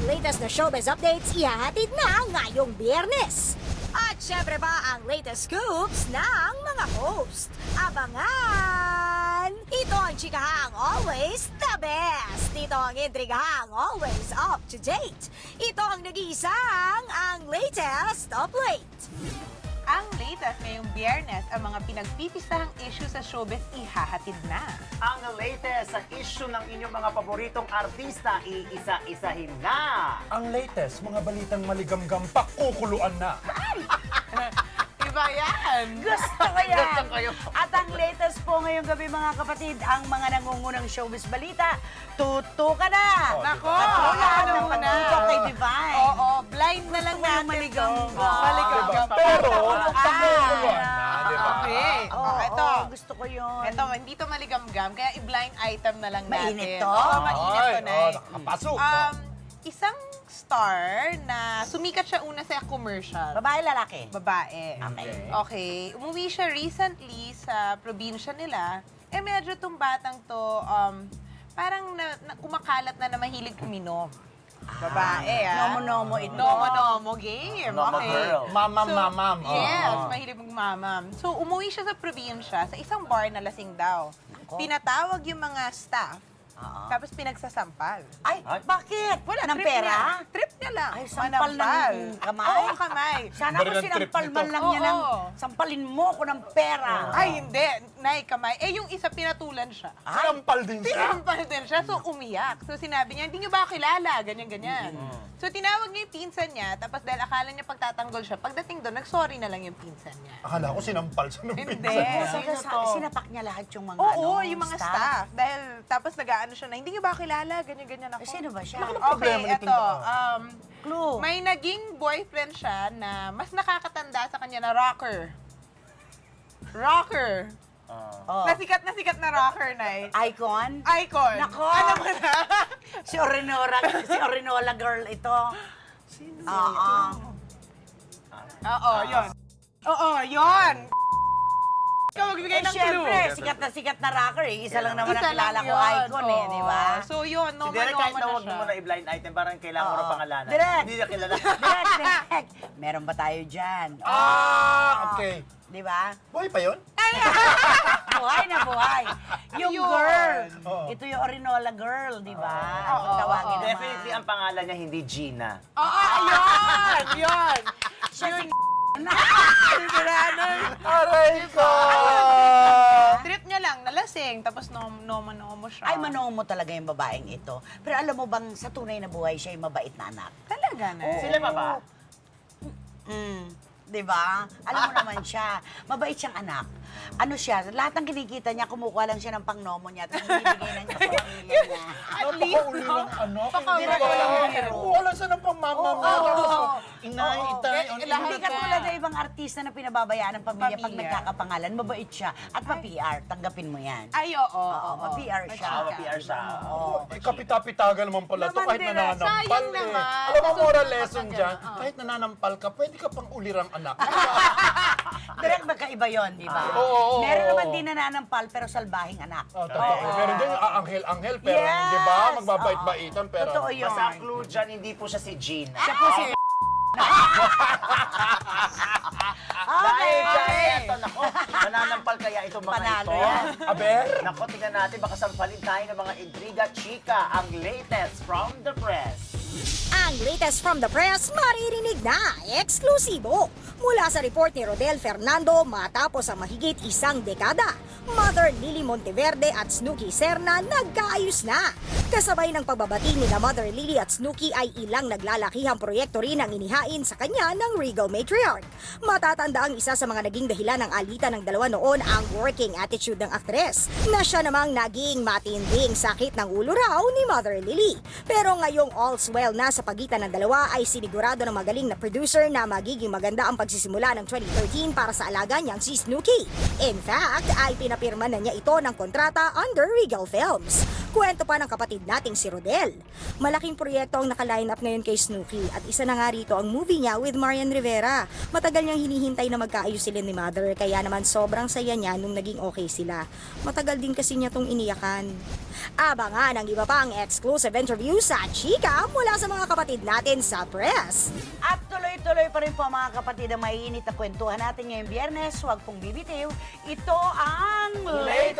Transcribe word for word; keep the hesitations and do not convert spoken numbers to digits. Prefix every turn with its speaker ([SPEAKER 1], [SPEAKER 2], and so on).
[SPEAKER 1] latest na showbiz updates ihahatid na ngayong Biyernes. At syempre pa ang latest scoops ng mga host. Abangan! Ito ang chikahang always the best. Ito ang intrigahang always up to date. Ito ang nag-iisang ang latest of late.
[SPEAKER 2] Ang latest ngayong Biyernes, ang mga pinagpipistahang issue sa showbiz ihahatid na.
[SPEAKER 3] Ang latest sa issue ng inyong mga paboritong artista, iisa-isahin na.
[SPEAKER 4] Ang latest, mga balitang maligamgam, pakukuluan na.
[SPEAKER 2] Iba yan!
[SPEAKER 5] Gusto ko yan!
[SPEAKER 3] Gusto ko yun.
[SPEAKER 5] At ang latest po ngayong gabi mga kapatid, ang mga nangungunang showbiz balita, tuto ka na!
[SPEAKER 4] Oh,
[SPEAKER 2] Nako!
[SPEAKER 5] At wala
[SPEAKER 2] ano
[SPEAKER 5] nang
[SPEAKER 2] muna?
[SPEAKER 5] pagtutok kay Divine.
[SPEAKER 2] Oo, blind na lang
[SPEAKER 5] Gusto ko yung
[SPEAKER 2] natin.
[SPEAKER 5] maligamgam.
[SPEAKER 2] to. Maligamgam.
[SPEAKER 4] Diba? Pero,
[SPEAKER 5] Ah,
[SPEAKER 4] pakukuluan na, di ba?
[SPEAKER 2] Okay.
[SPEAKER 5] Oo,
[SPEAKER 2] Oh, ito.
[SPEAKER 5] oo, gusto ko yun.
[SPEAKER 2] Ito, hindi to maligamgam, kaya i-blind item na lang natin.
[SPEAKER 5] Mainit to?
[SPEAKER 2] Oo, mainit to,
[SPEAKER 4] Ay,
[SPEAKER 2] Nay.
[SPEAKER 4] oh, nakakapasok.
[SPEAKER 2] Um, isang star na sumikat siya una sa commercial.
[SPEAKER 5] Babae, lalaki?
[SPEAKER 2] Babae.
[SPEAKER 5] Okay.
[SPEAKER 2] Okay. Umuwi siya recently sa probinsya nila. Eh, medyo tong batang to, um, parang na, na, kumakalat na na mahilig uminom. Babae, ah.
[SPEAKER 5] Nomo-nomo ito.
[SPEAKER 2] Nomo-nomo game.
[SPEAKER 3] Nomo
[SPEAKER 2] Okay.
[SPEAKER 3] girl.
[SPEAKER 4] Mamam,
[SPEAKER 2] So,
[SPEAKER 4] mamam. Oh.
[SPEAKER 2] Yes, mahilig magmamam. So, umuwi siya sa probinsya sa isang bar na lasing daw. Pinatawag yung mga staff,
[SPEAKER 5] Oo.
[SPEAKER 2] tapos pinagsasampal.
[SPEAKER 5] Ay,
[SPEAKER 3] Ay.
[SPEAKER 5] bakit?
[SPEAKER 2] Wala,
[SPEAKER 5] Ng
[SPEAKER 2] trip
[SPEAKER 5] pera?
[SPEAKER 2] Niya. Trip niya lang.
[SPEAKER 5] Ay, sampal
[SPEAKER 2] Manampal.
[SPEAKER 5] ng kamay?
[SPEAKER 2] Oo, kamay.
[SPEAKER 5] Sana
[SPEAKER 4] Bari
[SPEAKER 5] ko
[SPEAKER 4] ng trip
[SPEAKER 5] sinampal man
[SPEAKER 4] nito.
[SPEAKER 5] lang niya ng
[SPEAKER 2] Oo.
[SPEAKER 5] sampalin mo ko ng pera.
[SPEAKER 2] Ay, hindi. Nay, kamay. Eh, yung isa pinatulan siya.
[SPEAKER 4] Sinampal din siya.
[SPEAKER 2] Sinampal din siya, so umiyak. So sinabi niya, hindi niyo ba ako kilala? Ganyan, ganyan. So tinawag niya yung pinsan niya, tapos dahil akala niya pagtatanggol siya, pagdating doon, nag-sorry na lang yung pinsan niya.
[SPEAKER 4] Akala ko sinampal siya ng
[SPEAKER 2] Hindi.
[SPEAKER 4] pinsan niya.
[SPEAKER 5] So,
[SPEAKER 2] Sino
[SPEAKER 5] sa-
[SPEAKER 2] to?
[SPEAKER 5] sinapak niya lahat yung mga
[SPEAKER 2] Oo,
[SPEAKER 5] ano,
[SPEAKER 2] yung mga staff. Dahil tapos nag-aano siya na, hindi niyo ba ako kilala? Ganyan, ganyan ako.
[SPEAKER 5] Eh, sino ba siya?
[SPEAKER 4] Anong
[SPEAKER 2] Okay,
[SPEAKER 4] problema nitong
[SPEAKER 2] eto.
[SPEAKER 4] tao?
[SPEAKER 2] Um,
[SPEAKER 5] Clue.
[SPEAKER 2] may naging boyfriend siya na mas nakakatanda sa kanya na rocker. Rocker.
[SPEAKER 5] Oh.
[SPEAKER 2] Nasikat na sikat na rocker, Nay.
[SPEAKER 5] Icon?
[SPEAKER 2] Icon.
[SPEAKER 5] Nako!
[SPEAKER 2] Ano mo na?
[SPEAKER 5] Si Orinora, si Orinola girl ito. Oo.
[SPEAKER 2] Oo, yun. Oo, yun. Ikaw magbigay
[SPEAKER 5] Eh,
[SPEAKER 2] ng clue.
[SPEAKER 5] syempre, sikat na sikat na rocker eh. Isa lang naman ang
[SPEAKER 2] Isa
[SPEAKER 5] kilala
[SPEAKER 2] lang
[SPEAKER 5] ko,
[SPEAKER 2] yun.
[SPEAKER 5] Icon eh,
[SPEAKER 2] Oo.
[SPEAKER 5] di ba?
[SPEAKER 2] So yun,
[SPEAKER 3] Si
[SPEAKER 2] no
[SPEAKER 3] Derek, kahit na
[SPEAKER 2] na
[SPEAKER 3] huwag
[SPEAKER 2] siya.
[SPEAKER 3] mo na i-blind item, parang kailangan mo
[SPEAKER 5] Oo.
[SPEAKER 3] na pangalanan.
[SPEAKER 5] Direct.
[SPEAKER 3] Hindi na kilala.
[SPEAKER 5] Direct, direct. Meron ba tayo dyan?
[SPEAKER 4] Ah, okay.
[SPEAKER 5] Di ba?
[SPEAKER 4] Boy pa yun?
[SPEAKER 5] Buhay na buhay. Yung
[SPEAKER 2] Yun.
[SPEAKER 5] girl.
[SPEAKER 4] Oo.
[SPEAKER 5] Ito yung Orinola girl, di ba?
[SPEAKER 2] Oo,
[SPEAKER 5] Kung tawagin
[SPEAKER 2] oo.
[SPEAKER 5] naman.
[SPEAKER 3] Definitely, ang pangalan niya hindi Gina.
[SPEAKER 2] Oo, yun! Yun!
[SPEAKER 5] Siya si
[SPEAKER 4] Aray ko!
[SPEAKER 2] Trip niya lang, nalasing, tapos nom nomo-nomo siya.
[SPEAKER 5] Ay, manong mo talaga yung babaeng ito. Pero alam mo bang sa tunay na buhay siya yung mabait na anak?
[SPEAKER 2] Talaga na.
[SPEAKER 3] Sila pa ba?
[SPEAKER 5] Mm. Di ba? Alam mo naman siya. Mabait siyang anak. Ano siya, lahat ng kinikita niya, kumukuha lang siya ng pangnomo niya at binibigay na niya sa pamilya niya.
[SPEAKER 2] At least,
[SPEAKER 4] Napakauli
[SPEAKER 2] no?
[SPEAKER 4] ng ano.
[SPEAKER 2] Pakauli
[SPEAKER 4] Hindi ba?
[SPEAKER 2] ng hero.
[SPEAKER 4] Wala sa ng pamama mo.
[SPEAKER 5] Oo.
[SPEAKER 4] Tapos, Inay,
[SPEAKER 2] Oo.
[SPEAKER 4] itay.
[SPEAKER 2] Eh,
[SPEAKER 4] ano,
[SPEAKER 2] lahat
[SPEAKER 5] Hindi
[SPEAKER 2] ka.
[SPEAKER 5] katulad ng ibang artista na pinababayaan ng pamilya, pag
[SPEAKER 2] Pamilya.
[SPEAKER 5] nagkakapangalan, mabait siya. At pa-P R, tanggapin mo yan.
[SPEAKER 2] Ay, oo.
[SPEAKER 5] Oo, ma-P R siya.
[SPEAKER 3] Ah, ma-P R siya.
[SPEAKER 5] Oo.
[SPEAKER 4] Eh, kapita-pitaga naman pala to
[SPEAKER 2] Naman
[SPEAKER 4] kahit
[SPEAKER 2] din,
[SPEAKER 4] nananampal
[SPEAKER 2] sayang
[SPEAKER 4] eh.
[SPEAKER 2] naman.
[SPEAKER 4] Alam mo, moral
[SPEAKER 2] Nasusunod
[SPEAKER 4] lesson
[SPEAKER 2] naman
[SPEAKER 4] dyan,
[SPEAKER 2] yan, oo.
[SPEAKER 4] kahit nananampal ka, pwede ka pang ulirang anak.
[SPEAKER 5] Direct magkaiba yun, di ba?
[SPEAKER 4] Oo, oo,
[SPEAKER 5] Meron
[SPEAKER 4] oo.
[SPEAKER 5] naman din nananampal pero salbahing anak.
[SPEAKER 4] Oh, totoo. Meron din yung aanghel-anghel, pero
[SPEAKER 5] Yes!
[SPEAKER 4] di ba? Magbabait-baitan, pero...
[SPEAKER 5] Totoo yun.
[SPEAKER 3] Basta ang clue dyan, hindi po siya si Gina.
[SPEAKER 5] Siya po si...
[SPEAKER 3] Dahil
[SPEAKER 5] Okay.
[SPEAKER 3] dyan, eto, nako, mananampal kaya itong mga
[SPEAKER 5] Panalo
[SPEAKER 3] ito.
[SPEAKER 5] yan.
[SPEAKER 4] Aber?
[SPEAKER 3] Nako, tingnan natin, baka sampalin tayo ng mga intriga chika, ang latest from the press.
[SPEAKER 1] Ang latest from the press, maririnig na, eksklusibo. Mula sa report ni Rodel Fernando matapos ang mahigit isang dekada, Mother Lily Monteverde at Snooki Serna nagkaayos na. Kasabay ng pagbabati ni na Mother Lily at Snooki ay ilang naglalakihang proyekto rin ang inihain sa kanya ng Regal Matriarch. Matatanda ang isa sa mga naging dahilan ng alitan ng dalawa noon ang working attitude ng aktres, na siya namang naging matinding sakit ng ulo raw ni Mother Lily. Pero ngayong all's well na sa pagitan ng dalawa ay sinigurado ng magaling na producer na magiging maganda ang pagsisimula ng twenty thirteen para sa alaga niyang si Snooki. In fact, ay pinapirma na niya ito ng kontrata under Regal Films. Kwento pa ng kapatid nating si Rodel. Malaking proyekto ang naka-line up ngayon kay Snooki at isa na nga rito ang movie niya with Marian Rivera. Matagal niyang hinihintay na magkaayos sila ni Mother kaya naman sobrang saya niya nung naging okay sila. Matagal din kasi niya tong iniyakan. Abangan ang iba pang exclusive interview sa Chika mula sa mga kapatid natin sa press.
[SPEAKER 5] At tuloy-tuloy pa rin po mga kapatid ang maiinit na kwentuhan natin ngayong biyernes. Huwag pong bibitiw. Ito ang Late